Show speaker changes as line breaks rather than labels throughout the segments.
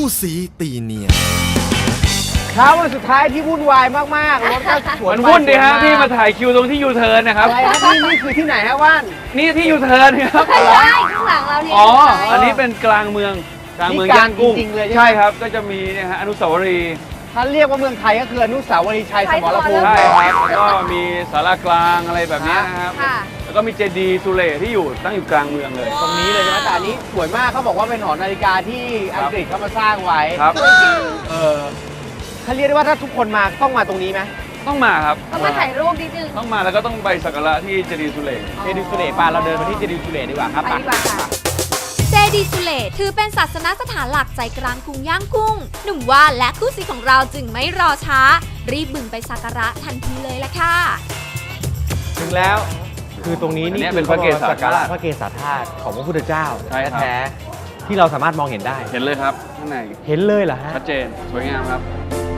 สีตีเนียน
เช้าวันสุดท้ายที่วุ่นวายมากๆรถก็สวน
มันวุ่นดิฮะพี่มาถ่ายคิวตรงที่ยูเทิร์นนะครับ
อะไรครับนี่คือที่ไหนฮะว่าน
นี่ที่ยูเทิร์นครับ
ไม่ใช่ข้างหลังเราเนี่ย
อ๋ออันนี้เป็นกลางเมืองย่างกุ้ง
จริงๆเลย
ใช่ครับก็จะมีเนี่ยฮะอนุสาวรีย์
ถ้าเรียกว่าเมืองไทยก็คืออนุสาวรีย์ชัยสมรภูมิ
ใช่ครับแล้วก็มีศาลากลางอะไรแบบนี้นะครับ
ค่ะ
แล้วก็มีเจดีย์สุเหร่ที่อยู่ตั้งอยู่กลางเมืองเลย
ตรงนี้เลยใช่ไหมแต่อันนี้สวยมากเขาบอกว่าเป็นหอนาฬิกาที่อังกฤษเขามาสร้างไว้
ครับ
ถ้าเรียกได้ว่าถ้าทุกคนมาต้องมาตรงนี้ไหม
ต้องมาครับ
ต้องมาถ่ายรูปนิดนึง
ต้องมาแล้วก็ต้องไปสักการะที่เจดีย์สุเหร่
เจดีย์สุเหร่ปาเราเดินมาที่เจดีย์สุเหร่ดีกว่าครับ
ไปดีกว่าค่ะ
เจดีย์สุเหร่ถือเป็นศาสนสถานหลักใจกลางกรุงย่างกุ้ง หนุ่มว่านและคู่ซีของเราจึงไม่รอช้า รีบบึงไปสักการะทันทีเลยล่ะค่ะ
ถึงแล้วคือตรงนี้
อัน
นี่
นี้เป็นพระเกศา
สักการะ
ธาตุ
พระเกศาธาตุของพระพุทธเจ้า
ใช่ครับ
แท้ๆที่เราสามารถมองเห็นได้
เห็นเลยครับข้างใน
เห็นเลยเหรอฮะ
ชัดเจนสวยงามครับ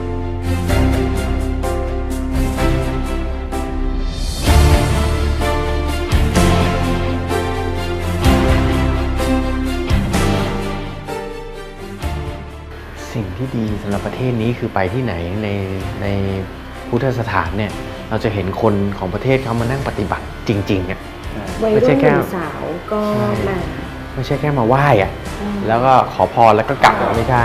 สิ่งที่ดีสำหรับประเทศนี้คือไปที่ไหนในพุทธสถานเนี่ยเราจะเห็นคนของประเทศเขามานั่งปฏิบัติจริงๆอ่ะ
วัย
ไม่
รุ่
ใช่
น
แค่
หนุ่มสาวก็มา
ไม่ใช่แค่มาไหว้อ่ะแล้วก็ขอพรแล้วก็กลับไม่ใช่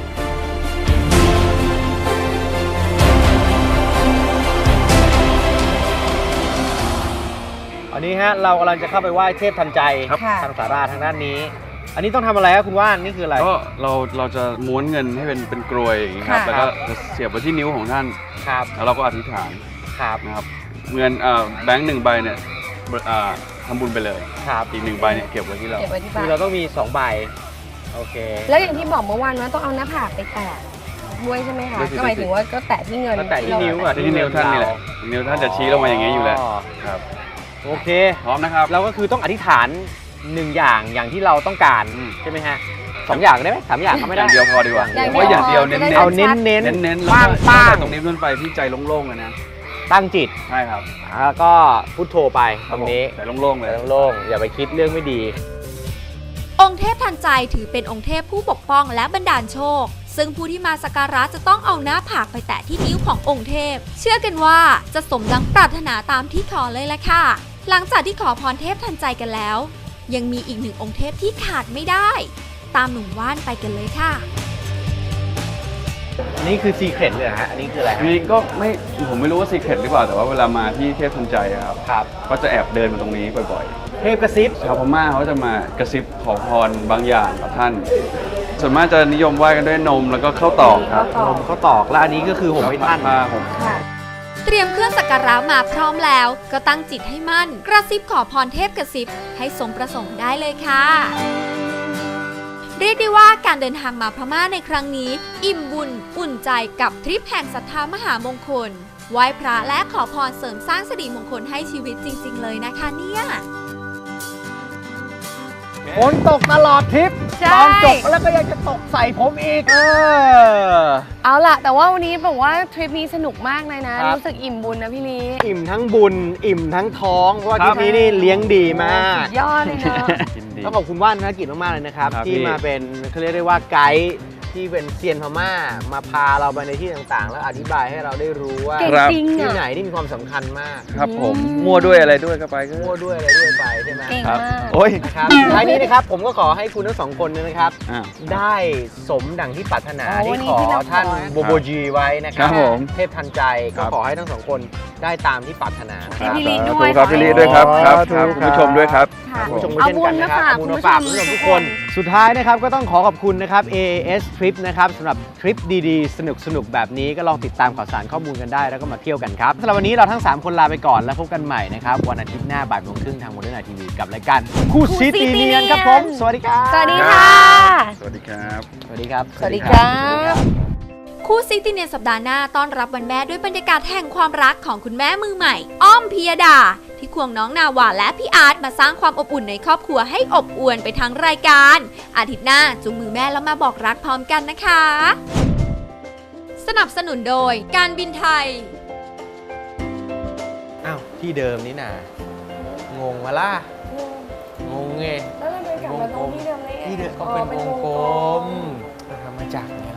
อันนี้ฮะเรากำลังจะเข้าไปไหว้เทพทันใจ
ครับ
ทางสาราทางด้านนี้ อันนี้ต้องทำอะไรครับคุณว่านนี่คืออะไร
ก็เราจะม้วนเงินให้เป็นกรวยอย่างนี้ครับ
ค่ะ
แล้วก็จะเสียบไว้ที่นิ้วของท่าน
ครับ
แล้วเราก็อธิษฐาน
ครับ
นะครับเงินแบงค์1ใบเนี่ยทำบุญไปเลย
ครับ
อีก1ใบเนี่ยเก็บไว้ที่เรา
เก็บไว้ที่
คื
บ้า
อน เราต้องมี2ใบโอเค
แล้วอย่างที่บอกเมื่อวานว่าต้องเอาหน้าผากไปแตะด้วยใช่ไหมคะ ก็หมายถึงว่าก็แตะที่เงิน
ก็แตะที่นิ้วอะ
ที่นิ้วท่านนี่แหละนิ้วท่านจะชี้ลงมาอย่างนี้อยู่แล้วครับ
โอเค
พร้อมนะครับ
เราก็คือต้องอธิษฐาน1อย่างที่เราต้องการ
อืม
ใช่ไหมฮะ2อย่างได้ไหม3อย่างก็ไม่
อ
ได้
ย่างเดียวพอดีกว่า
อย่างเดียว
ว่าอย่างเดียวเน้น
จะได้
ๆ
เอาเน้น
เน้นๆแล้ว
ป้าง
ก็
ป้าง
ตั้งแต่ตรงนี้ขึ้นไปที่ใจโล่งๆเลยนะ
ตั้งจิต
ใช่ครับ
แล้วก็พุทโธไปตรงนี้
ใจโล่งๆเลย
โล่งๆอย่าไปคิดเรื่องไม่ดี
องค์เทพทันใจถือเป็นองค์เทพผู้ปกป้องและบันดาลโชค ซึ่งผู้ที่มาสักการะจะต้องเอาหน้าผากไปแตะที่นิ้วขององค์เทพ เชื่อกันว่าจะสมดังปรารถนาตามที่ขอเลยละค่ะ หลังจากที่ขอพรเทพทันใจกันแล้ว ยังมีอีกหนึ่งองค์เทพที่ขาดไม่ได้ ตามหนุ่มว่านไปกันเลยค่ะ
อันนี้คือซีเครตเลยเหรอฮะอันนี้คืออะไร
ทีนี้ก็ผมไม่รู้ว่าซีเคร็ตหรือเปล่าแต่ว่าเวลามาที่เทพทันใจอะครับ
ครับ
ก็จะแอบเดินมาตรงนี้บ่อย
เทพกระซิบ
ๆชาวพม่าเขาจะมากระซิบขอพรบางอย่างกับท่าน ส่วนมากจะนิยมไหว้กันด้วยนมแล้วก็ข้าวตอกครับ
นมเขาตอกแล้วอันนี้ก็คือผมให้ท่าน
ผ้าห่ม
ค่ะ
เตรียมเครื่องสักการะมาพร้อมแล้ว ก็ตั้งจิตให้มั่น กระซิบขอพรเทพกระซิบให้สมประสงค์ได้เลยค่ะ เรียกได้ว่าการเดินทางมาพม่าในครั้งนี้ อิ่มบุญอุ่นใจกับทริปแห่งศรัทธามหามงคล ไหว้พระและขอพรเสริมสร้างสิริมงคลให้ชีวิตจริงๆเลยนะคะเนี่ย
ฝนตกตลอดทริป
ใช่
ตอนจบแล้วก็ยังจะตกใส่ผมอีก
เอาล่ะ แต่ว่าวันนี้บอกว่าทริปนี้สนุกมากเลยนะ
ครับ
รู้สึกอิ่มบุญนะพี่ลี
อิ่มทั้งบุญ อิ่มทั้งท้อง เพราะว่า
ค
ท
รั
ริ
บ
ปนี้นี่เลี้ยงดีมาก
สุดยอดเลยเนาะ
ยินดี
ต้องขอบคุณว่านธนกิจมากๆเลยนะครับ
ครับ
ที่
พี่
มาเป็นเขาเรียกได้ว่าไกด์ที่เป็นเซียนพม่า มาพาเราไปในที่ต่างๆ แล้วอธิบายให้เราได้รู้ว่า
เก่งจริง
ที่
อ่ะ
ไหนนี่มีความสำคัญมาก
ครับผมมั่วด้วยอะไรด้วยก็ไปก็
มั่วด้วยอะไรด้วยไปใช่ไหม
เก่ง
ครับ
มาก
โอ้ย
นะครับท้ายนี้นะครับผมก็ขอให้คุณทั้งสองคนเนยนะครับ
อ่า
ได้สมดังที่ปรารถนา
อ๋อ
ที่
วันนี้
ขอ
ที่เราขอ
ท่านโบโบจีไว้นะค
ครั
รับบ
ผม
เทพทันใจก็
ครับ
ขอให้ทั้งสองคนได้ตามที่ปรารถนานะค
ให้
รับ
พี่ลี
สา
ด้
ธุ
วย
ครับพี่ลีด้วยครับครับครับ
สาธุ
คุณผู้ชมด้วยครับ
ค่ะ
คุณผู้ชม
เอา
เช่น
บุ
กั
ญ
น
มา
นะครับ
ฝาก
เอาบุญ
คุณ
มา
ผู้ช
ฝาก
ม
คุณผู้ชม
ทุ
ทุ
ก
ก
ค
คน น สุดท้ายนะครับก็ต้องขอขอบคุณนะครับ AAS Trip นะครับสำหรับทริปดีๆ สนุกๆ แบบนี้ก็ลองติดตามข่าวสารข้อมูลกันได้แล้วก็มาเที่ยวกันครับสำหรับวันนี้เราทั้ง 3 คนลาไปก่อนแล้วพบกันใหม่นะครับวันอาทิตย์หน้าบ่ายโมงครึ่งทางโมเดิร์นไอทีวีกับรายการคู่ซีตีเนียนครับผมสวัสดีครับ
สวัสดีค่ะ
สวัสดีครับ
สวัสดีครับ
สวัสดีครับ
คู่ซิติเนียนสัปดาห์หน้าต้อนรับวันแม่ด้วยบรรยากาศแห่งความรักของคุณแม่มือใหม่ อ้อมพิยดา ที่ควงน้องนาวาและพี่อาร์ตมาสร้างความอบอุ่นในครอบครัวให้อบอวลไปทั้งรายการ อาทิตย์หน้าจูงมือแม่แล้วมาบอกรักพร้อมกันนะคะ สนับสนุนโดยการบินไทย
อ้าวที่เดิมนี่นางงมาล่ะงงไง
แล้วเราเดินกลับมาตรงที่เดิมได้ไง
ที่เดิมก็เป็นวงกลมทำไมจากนี้